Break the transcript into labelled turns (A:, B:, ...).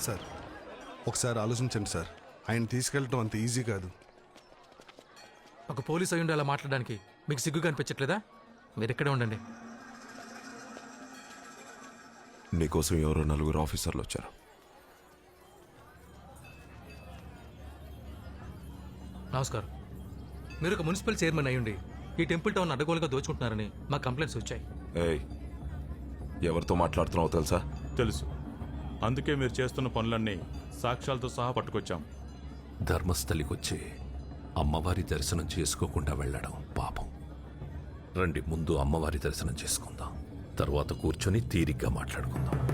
A: Sir ఒకసారి ఆలోచించండి sir. ఆయన తీసుకెళ్ళటం అంత ఈజీ కాదు.
B: ఒక పోలీస్ అయ్యుండి అలా మాట్లాడడానికి మీకు సిగ్గుగా అనిపించట్లేదా? మీరు ఇక్కడే ఉండండి.
C: నీకోసం ఎవరో 4 ఆఫీసర్లు వచ్చారు.
B: నమస్కారం. మీరు ఒక మున్సిపల్ చైర్మన్ అయ్యుండి ఈ టెంపుల్ టౌన్ అడ్డగోలుగా దోచుకుంటున్నారని మా కంప్లైంట్స్ వచ్చాయి.
C: ఏయ్, ఎవరితో మాట్లాడుతున్నావో తెలుసా?
D: తెలుసు. అందుకే మీరు చేస్తున్న పనులన్నీ సాక్ష్యాలతో సహా పట్టుకొచ్చాం.
E: ధర్మస్థలికొచ్చి అమ్మవారి దర్శనం చేసుకోకుండా వెళ్ళడం పాపం. రండి, ముందు అమ్మవారి దర్శనం చేసుకుందాం, తర్వాత కూర్చొని తీరిగ్గా మాట్లాడుకుందాం.